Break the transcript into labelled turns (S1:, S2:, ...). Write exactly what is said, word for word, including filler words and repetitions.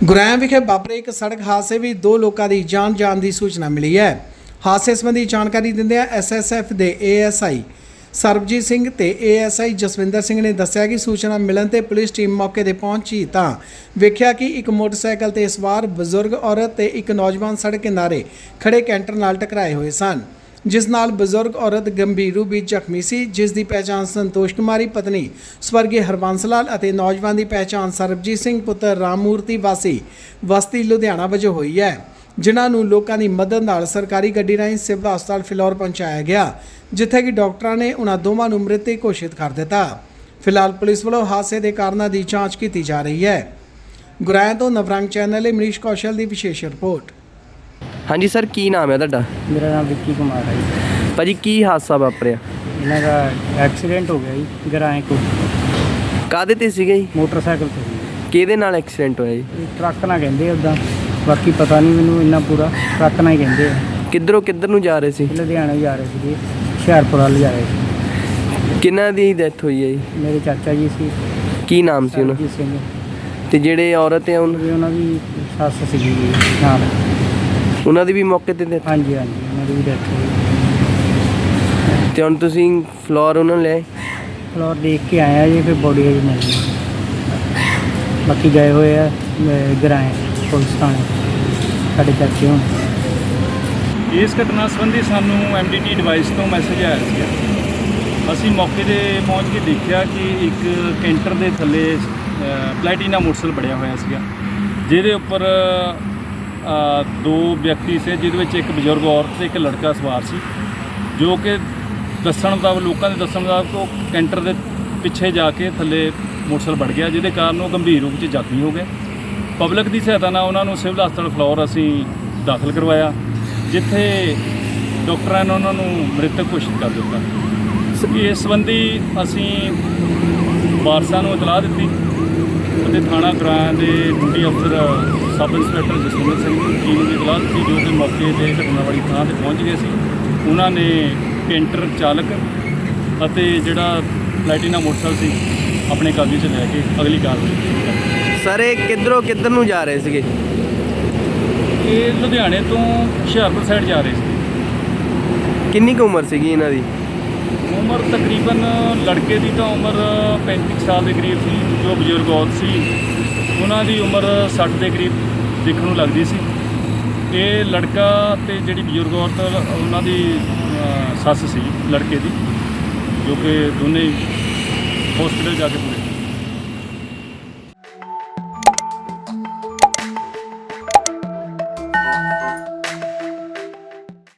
S1: ਗੁਰੈਮ ਵਿਖੇ ਵਾਪਰੇ ਇੱਕ ਸੜਕ ਹਾਦਸੇ ਵਿੱਚ ਦੋ ਲੋਕਾਂ ਦੀ ਜਾਨ ਜਾਣ ਦੀ ਸੂਚਨਾ ਮਿਲੀ ਹੈ। ਹਾਦਸੇ ਸੰਬੰਧੀ ਜਾਣਕਾਰੀ ਦਿੰਦਿਆਂ ਐਸ ਐਸ ਐਫ ਦੇ A S I Sarabjit Singh ਤੇ A S I Jaswinder Singh ਨੇ ਦੱਸਿਆ ਕਿ ਸੂਚਨਾ ਮਿਲਣ ਤੇ ਪੁਲਿਸ ਟੀਮ ਮੌਕੇ ਤੇ ਪਹੁੰਚੀ ਤਾਂ ਵੇਖਿਆ ਕਿ ਇੱਕ ਮੋਟਰਸਾਈਕਲ ਤੇ ਸਵਾਰ ਬਜ਼ੁਰਗ ਔਰਤ ਤੇ ਇੱਕ ਨੌਜਵਾਨ ਸੜਕ ਕਿਨਾਰੇ ਖੜੇ ਕੈਂਟਰ ਨਾਲ ਟਕਰਾਏ ਹੋਏ ਸਨ, ਜਿਸ ਨਾਲ ਬਜ਼ੁਰਗ ਔਰਤ ਗੰਭੀਰ ਰੂਪ ਵਿੱਚ ਜ਼ਖਮੀ ਸੀ, ਜਿਸ ਦੀ ਪਹਿਚਾਣ ਸੰਤੋਸ਼ ਕੁਮਾਰੀ ਪਤਨੀ ਸਵਰਗੀ ਹਰਬੰਸ ਲਾਲ ਅਤੇ ਨੌਜਵਾਨ ਦੀ ਪਹਿਚਾਣ ਸਰਬਜੀਤ ਸਿੰਘ ਪੁੱਤਰ ਰਾਮਮੂਰਤੀ ਵਾਸੀ ਬਸਤੀ ਲੁਧਿਆਣਾ ਵਜੋਂ ਹੋਈ ਹੈ, ਜਿਨ੍ਹਾਂ ਨੂੰ ਲੋਕਾਂ ਦੀ ਮਦਦ ਨਾਲ ਸਰਕਾਰੀ ਗੱਡੀ ਰਾਹੀਂ ਸਿਵਲ ਹਸਪਤਾਲ ਫਿਲੌਰ ਪਹੁੰਚਾਇਆ ਗਿਆ, ਜਿੱਥੇ ਕਿ ਡਾਕਟਰਾਂ ਨੇ ਉਹਨਾਂ ਦੋਵਾਂ ਨੂੰ ਮ੍ਰਿਤਕ ਘੋਸ਼ਿਤ ਕਰ ਦਿੱਤਾ। ਫਿਲਹਾਲ ਪੁਲਿਸ ਵੱਲੋਂ ਹਾਦਸੇ ਦੇ ਕਾਰਨਾਂ ਦੀ ਜਾਂਚ ਕੀਤੀ ਜਾ ਰਹੀ ਹੈ। ਗੁਰਾਇਆ ਤੋਂ ਨਵਰੰਗ ਚੈਨਲ ਲਈ ਮਨੀਸ਼ ਕੌਸ਼ਲ ਦੀ ਵਿਸ਼ੇਸ਼ ਰਿਪੋਰਟ।
S2: ਹਾਂਜੀ ਸਰ, ਕੀ ਨਾਮ ਹੈ ਤੁਹਾਡਾ?
S3: ਮੇਰਾ ਨਾਮ ਵਿੱਕੀ ਕੁਮਾਰ ਹੈ ਜੀ।
S2: ਭਾਜੀ ਕੀ ਹਾਦਸਾ ਵਾਪਰਿਆ?
S3: ਇਹਨਾਂ ਦਾ ਐਕਸੀਡੈਂਟ ਹੋ ਗਿਆ ਜੀ ਗਰਾਏ ਕੋ।
S2: ਕਾਹਦੇ ਤੇ ਸੀਗੇ ਜੀ?
S3: ਮੋਟਰਸਾਈਕਲ ਤੇ ਜੀ।
S2: ਕਿਹਦੇ ਨਾਲ ਐਕਸੀਡੈਂਟ ਹੋਇਆ ਜੀ?
S3: ਇਹ ਟਰੱਕ ਨਾਲ ਕਹਿੰਦੇ ਉੱਦਾਂ, ਬਾਕੀ ਪਤਾ ਨਹੀਂ ਮੈਨੂੰ ਇੰਨਾ ਪੂਰਾ। ਟਰੱਕ ਨਾਲ ਹੀ ਕਹਿੰਦੇ ਆ।
S2: ਕਿੱਧਰੋਂ ਕਿੱਧਰ ਨੂੰ ਜਾ ਰਹੇ ਸੀ?
S3: ਲੁਧਿਆਣਾ ਜਾ ਰਹੇ ਸੀਗੇ, ਹੁਸ਼ਿਆਰਪੁਰ ਵੱਲ ਜਾ ਰਹੇ ਸੀ।
S2: ਕਿਹਨਾਂ ਦੀ ਡੈਥ ਹੋਈ ਹੈ ਜੀ?
S3: ਮੇਰੇ ਚਾਚਾ ਜੀ ਸੀ।
S2: ਕੀ ਨਾਮ ਸੀ ਉਹਨਾਂ?
S3: ਸਰਬਜੀਤ ਸਿੰਘ।
S2: ਤੇ ਜਿਹੜੇ ਔਰਤ ਹੈ ਉਹਨਾਂ
S3: ਵੀ ਉਹਨਾਂ ਦੀ ਸੱਸ ਸੀਗੀ ਜੀ ਨਾਲ।
S2: ਉਹਨਾਂ ਦੀ ਵੀ ਮੌਕੇ ਤੇ death?
S3: ਹਾਂਜੀ ਹਾਂਜੀ, ਉਹਨਾਂ ਦੀ ਵੀ ਡੈਥ ਹੋਈ।
S2: ਤੇ ਹੁਣ ਤੁਸੀਂ ਫਲੋਰ ਉਹਨਾਂ ਨੂੰ ਲੈ ਆਏ?
S3: ਫਲੋਰ ਦੇਖ ਕੇ ਆਇਆ ਜੀ, ਫਿਰ ਬੋਡੀ ਅਜੇ ਮਿਲੀ। ਬਾਕੀ ਗਏ ਹੋਏ ਆ ਗਰਾਏ ਪੁਲਿਸ ਥਾਣੇ ਸਾਡੇ ਚਾਚੇ ਹੁਣ।
S4: ਇਸ ਘਟਨਾ ਸੰਬੰਧੀ ਸਾਨੂੰ ਐਮ ਡੀ ਟੀ ਡਿਵਾਈਸ ਤੋਂ ਮੈਸੇਜ ਆਇਆ ਸੀ। ਅਸੀਂ ਮੌਕੇ 'ਤੇ ਪਹੁੰਚ ਕੇ ਦੇਖਿਆ ਕਿ ਇੱਕ ਕੈਂਟਰ ਦੇ ਥੱਲੇ ਪਲੈਟੀਨਾ ਮੋਟਰਸਾਈਕਲ ਬੜਿਆ ਹੋਇਆ ਸੀਗਾ, ਜਿਹਦੇ ਉੱਪਰ ਦੋ ਵਿਅਕਤੀ ਸੀ, ਜਿਹਦੇ ਵਿੱਚ ਇੱਕ ਬਜ਼ੁਰਗ ਔਰਤ ਤੇ ਇੱਕ ਲੜਕਾ ਸਵਾਰ ਸੀ, ਜੋ ਕਿ ਦੱਸਣ ਦਾ ਲੋਕਾਂ ਦੇ ਦੱਸਣ ਦਾ ਉਹ ਕੈਂਟਰ ਦੇ ਪਿੱਛੇ ਜਾ ਕੇ ਥੱਲੇ ਮੋਟਰਸਾਈਕਲ ਵੜ ਗਿਆ, ਜਿਹਦੇ ਕਾਰਨ ਉਹ ਗੰਭੀਰ ਰੂਪ 'ਚ ਜ਼ਖਮੀ ਹੋ ਗਏ। ਪਬਲਿਕ ਦੀ ਸਹਾਇਤਾ ਨਾਲ ਉਹਨਾਂ ਨੂੰ ਸਿਵਲ ਹਸਪਤਾਲ ਫਲੋਰ ਅਸੀਂ ਦਾਖਲ ਕਰਵਾਇਆ, ਜਿੱਥੇ ਡਾਕਟਰਾਂ ਨੇ ਉਹਨਾਂ ਨੂੰ ਮ੍ਰਿਤਕ ਘੋਸ਼ਿਤ ਕਰ ਦਿੱਤਾ। ਇਸ ਸੰਬੰਧੀ ਅਸੀਂ ਵਾਰਸਾਂ ਨੂੰ ਇਤਲਾਹ ਦਿੱਤੀ ਅਤੇ ਥਾਣਾ ਗੁਰਾਇਆ ਦੇ ਡਿਊਟੀ ਅਫਸਰ ਸਬ ਇੰਸਪੈਕਟਰ ਜਸਵਿੰਦਰ ਸਿੰਘ ਦੀ ਟੀਮ ਦੀ ਇਤਲਾਹ ਦਿੱਤੀ, ਜੋ ਕਿ ਮੌਕੇ 'ਤੇ ਘਟਨਾ ਵਾਲੀ ਥਾਂ 'ਤੇ ਪਹੁੰਚ ਗਏ ਸੀ। ਉਹਨਾਂ ਨੇ ਕੈਂਟਰ ਚਾਲਕ ਅਤੇ ਜਿਹੜਾ ਪਲੈਟੀਨਾ ਮੋਟਰਸਾਈਕਲ ਸੀ ਆਪਣੇ ਕਬਜ਼ੇ 'ਚ ਲੈ ਕੇ ਅਗਲੀ ਕਾਰਵਾਈ ਕੀਤੀ।
S2: ਸਰ ਇਹ ਕਿੱਧਰੋਂ ਕਿੱਧਰ ਨੂੰ ਜਾ ਰਹੇ ਸੀਗੇ?
S4: ਇਹ ਲੁਧਿਆਣੇ ਤੋਂ ਹੁਸ਼ਿਆਰਪੁਰ ਸਾਈਡ ਜਾ ਰਹੇ ਸੀ।
S2: ਕਿੰਨੀ ਕੁ ਉਮਰ ਸੀਗੀ ਇਹਨਾਂ ਦੀ?
S4: ਉਮਰ ਤਕਰੀਬਨ ਲੜਕੇ ਦੀ ਤਾਂ ਉਮਰ ਪੈਂਤੀ ਸਾਲ ਦੇ ਕਰੀਬ ਸੀ, ਜੋ ਬਜ਼ੁਰਗ ਔਰਤ ਸੀ ਉਹਨਾਂ ਦੀ ਉਮਰ ਸੱਠ ਦੇ ਕਰੀਬ ਦੇਖਣ ਨੂੰ ਲੱਗਦੀ ਸੀ। ਇਹ ਲੜਕਾ ਤੇ ਜਿਹੜੀ ਬਜ਼ੁਰਗ ਔਰਤ ਉਹਨਾਂ ਦੀ ਸੱਸ ਸੀ ਲੜਕੇ ਦੀ, ਜੋ ਕਿ ਦੋਨੇ ਹਸਪੀਟਲ ਜਾ ਕੇ